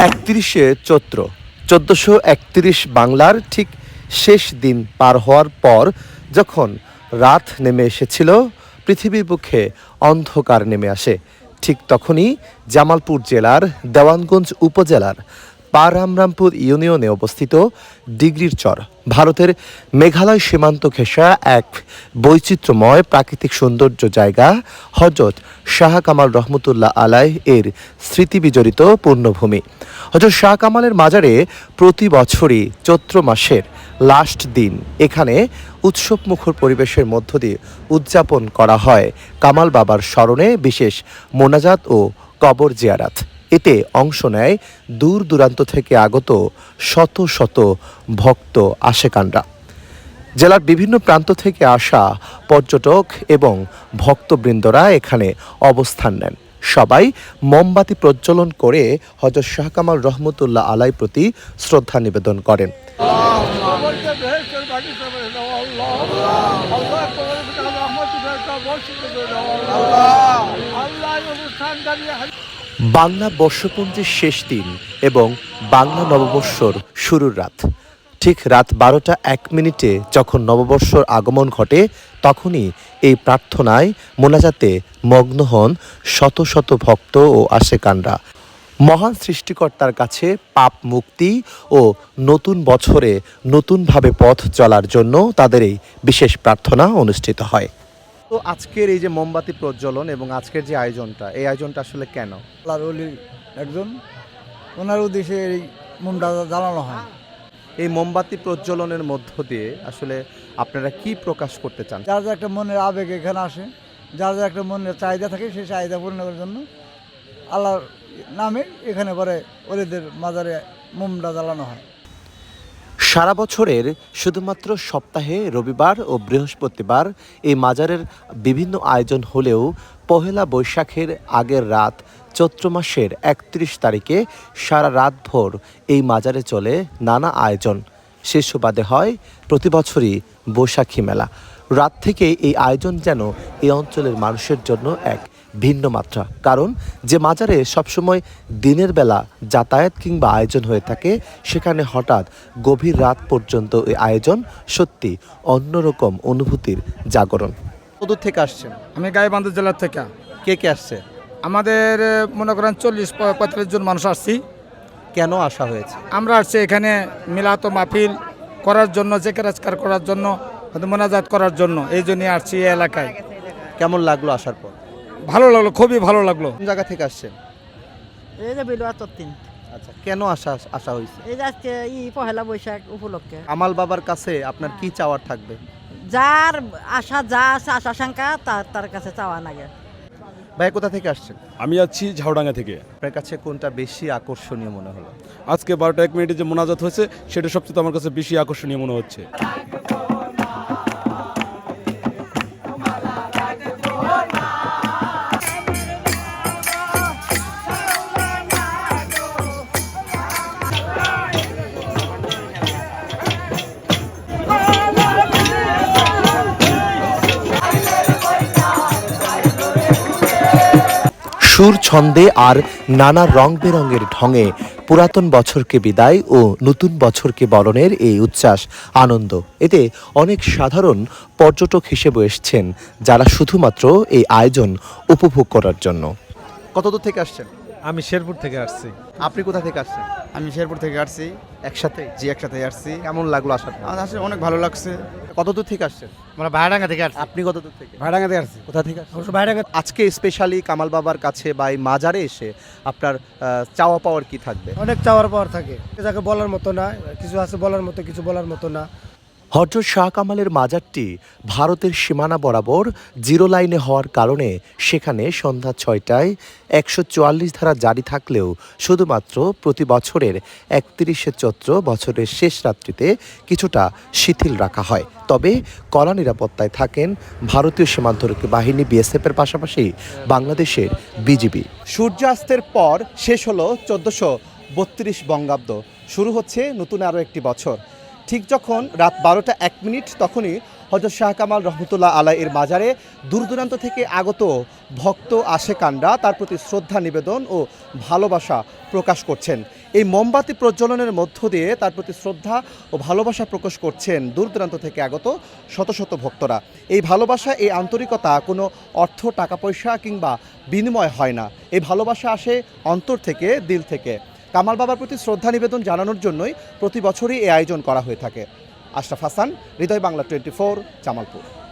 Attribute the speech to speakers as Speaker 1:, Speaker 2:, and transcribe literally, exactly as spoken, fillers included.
Speaker 1: একত্রিশে চৈত্র চোদ্দোশো একত্রিশ বাংলার ঠিক শেষ দিন পার হওয়ার পর যখন রাত নেমে এসেছিল, পৃথিবীর বুকে অন্ধকার নেমে আসে, ঠিক তখনই জামালপুর জেলার দেওয়ানগঞ্জ উপজেলার পারামরামপুর ইউনিয়নে অবস্থিত ডিগ্রির চর, ভারতের মেঘালয় সীমান্ত ঘেঁষা এক বৈচিত্র্যময় প্রাকৃতিক সৌন্দর্য জায়গা হজরত শাহ কামাল রহমতুল্লাহ আলাই এর স্মৃতিবিজড়িত পূর্ণভূমি। হজরত শাহ কামালের মাজারে প্রতি বছরই চৈত্র মাসের লাস্ট দিন এখানে উৎসবমুখর পরিবেশের মধ্য দিয়ে উদযাপন করা হয় কামাল বাবার স্মরণে বিশেষ মোনাজাত ও কবর জিয়ারাত। এতে অংশ নেয় দূর দূরান্ত থেকে আগত শত শত ভক্ত আশেকানরা। জেলার বিভিন্ন প্রান্ত থেকে আসা পর্যটক এবং ভক্তবৃন্দরা এখানে অবস্থান নেন। সবাই মোমবাতি প্রজ্বলন করে হযরত শাহ কামাল রহমতুল্লাহ আলাই প্রতি শ্রদ্ধা নিবেদন করেন। বাংলা বর্ষপঞ্জির শেষ দিন এবং বাংলা নববর্ষর শুরুর রাত, ঠিক রাত বারোটা এক মিনিটে যখন নববর্ষর আগমন ঘটে, তখনই এই প্রার্থনায় মোনাজাতে মগ্ন হন শত শত ভক্ত ও আশেকানরা। মহান সৃষ্টিকর্তার কাছে পাপ মুক্তি ও নতুন বছরে নতুনভাবে পথ চলার জন্য তাদের এই বিশেষ প্রার্থনা অনুষ্ঠিত হয়। তো আজকের এই যে মোমবাতি প্রজ্বলন এবং আজকের যে আয়োজনটা, এই আয়োজনটা আসলে কেন?
Speaker 2: আল্লাহর ওলি একজন, ওনার উদ্দেশ্যে এই মোমটা জ্বালানো হয়।
Speaker 1: এই মোমবাতি প্রজ্বলনের মধ্য দিয়ে আসলে আপনারা কি প্রকাশ করতে চান?
Speaker 2: যার যার একটা মনের আবেগ এখানে আসে, যার যার একটা মনের চাহিদা থাকে, সেই চাহিদা পূরণ করার জন্য আল্লাহর নামে এখানে পরে ওলিদের মাজারে মোমটা জ্বালানো হয়।
Speaker 1: সারা বছরের শুধুমাত্র সপ্তাহে রবিবার ও বৃহস্পতিবার এই মাজারের বিভিন্ন আয়োজন হলেও পহেলা বৈশাখের আগের রাত চৈত্র মাসের একত্রিশ তারিখে সারা রাতভর এই মাজারে চলে নানা আয়োজন। সে সুবাদে হয় প্রতি বছরই বৈশাখী মেলা। রাত থেকে এই আয়োজন যেন এই অঞ্চলের মানুষের জন্য এক ভিন্ন মাত্রা, কারণ যে মাজারে সবসময় দিনের বেলা যাতায়াত কিংবা আয়োজন হয়ে থাকে, সেখানে হঠাৎ গভীর রাত পর্যন্ত এই আয়োজন সত্যি অন্যরকম অনুভূতির জাগরণ। কতদূর থেকে আসছেন?
Speaker 3: আমি গাইবান্ধা জেলার থেকে।
Speaker 1: কে কে আসছে?
Speaker 3: আমাদের মনে করেন চল্লিশ পঁয়তাল্লিশ জন মানুষ আসছি।
Speaker 1: কেন আসা হয়েছে?
Speaker 3: আমরা আসছি এখানে মিলাত মাহফিল করার জন্য, জেকের আজকার করার জন্য, মোনাজাত করার জন্য, এই জন্যই আসছি এই এলাকায়।
Speaker 1: কেমন লাগলো আসার পর?
Speaker 3: ভালো লাগলো, খুবই ভালো লাগলো।
Speaker 1: কোন জায়গা থেকে আসছেন?
Speaker 4: এই যে বিলুয়া তত্তিন।
Speaker 1: আচ্ছা, কেন আসা আসা হয়েছে?
Speaker 4: এই যে আজকে ই পহেলা বৈশাখ উপলক্ষে
Speaker 1: কামাল বাবার কাছে আপনার কি চাওয়ার থাকবে?
Speaker 4: যার আশা, যা আছে আশা আশঙ্কা, তার তার কাছে চাওয়া লাগে।
Speaker 1: ভাই, কোথা থেকে আসছেন?
Speaker 5: আমি আছি ঝাউডাঙ্গা থেকে।
Speaker 1: আপনার কাছে কোনটা বেশি আকর্ষণীয় মনে হলো?
Speaker 5: আজকে বারোটা এক মিনিটে যে মোনাজাত হয়েছে, সেটা সবচেয়ে আমার কাছে বেশি আকর্ষণীয় মনে হচ্ছে।
Speaker 1: সুর ছন্দে আর নানা রং বেরঙের ঢঙে পুরাতন বছরকে বিদায় ও নতুন বছরকে বরণের এই উচ্ছ্বাস, আনন্দ, এতে অনেক সাধারণ পর্যটক হিসেবে এসছেন, যারা শুধুমাত্র এই আয়োজন উপভোগ করার জন্য। কতদূর থেকে আসছেন?
Speaker 6: আমি শেরপুর থেকে আসছি।
Speaker 1: আপনি কোথা থেকে আসছেন?
Speaker 2: আমি শেরপুর থেকে আসছি।
Speaker 1: একসাথে?
Speaker 2: জি, একসাথে আসছি।
Speaker 1: কেমন লাগলো আসার পর?
Speaker 2: আমার আসলে অনেক ভালো লাগছে।
Speaker 1: কতদূর থেকে আসছেন?
Speaker 6: আমরা ভাইডাঙ্গা থেকে আসছি।
Speaker 1: আপনি কতদূর থেকে?
Speaker 2: ভাড়াঙ্গা থেকে আসছি।
Speaker 1: কোথা থেকে আসছেন?
Speaker 6: অবশ্য ভাইডাঙ্গা।
Speaker 1: আজকে স্পেশালি কামাল বাবার কাছে বা এই মাজারে এসে আপনার আহ, চাওয়া পাওয়ার কি থাকবে?
Speaker 6: অনেক চাওয়ার পাওয়ার থাকে, যাকে বলার মতো না, কিছু আছে বলার মতো, কিছু বলার মতো না।
Speaker 1: হযরত শাহ কামালের মাজারটি ভারতের সীমানা বরাবর জিরো লাইনে হওয়ার কারণে সেখানে সন্ধ্যা ছয়টায় একশো চুয়াল্লিশ ধারা জারি থাকলেও শুধুমাত্র প্রতি বছরের একত্রিশে চৈত্র বছরের শেষ রাত্রিতে কিছুটা শিথিল রাখা হয়। তবে কড়া নিরাপত্তায় থাকেন ভারতীয় সীমান্তরক্ষী বাহিনী বিএসএফের পাশাপাশি বাংলাদেশের বিজিবি। সূর্যাস্তের পর শেষ হলো চোদ্দোশো বত্রিশ বঙ্গাব্দ, শুরু হচ্ছে নতুন আরও একটি বছর। ঠিক যখন রাত বারোটা এক মিনিট তখনই হযরত শাহ কামাল রহমতুল্লাহ আলাই এর মাজারে দূর দূরান্ত থেকে আগত ভক্ত আশেকানরা তার প্রতি শ্রদ্ধা নিবেদন ও ভালোবাসা প্রকাশ করছেন। এই মোমবাতি প্রজ্বলনের মধ্য দিয়ে তার প্রতি শ্রদ্ধা ও ভালোবাসা প্রকাশ করছেন দূর দূরান্ত থেকে আগত শত শত ভক্তরা। এই ভালোবাসা, এই আন্তরিকতা কোনো অর্থ, টাকা পয়সা কিংবা বিনিময় হয় না। এই ভালোবাসা আসে অন্তর থেকে, দিল থেকে। কামাল বাবার প্রতি শ্রদ্ধা নিবেদন জানানোর জন্যই প্রতি বছরই এই আয়োজন করা হয়ে থাকে। Ashraf Hasan, Hridoy Bangla twenty four, Jamalpur.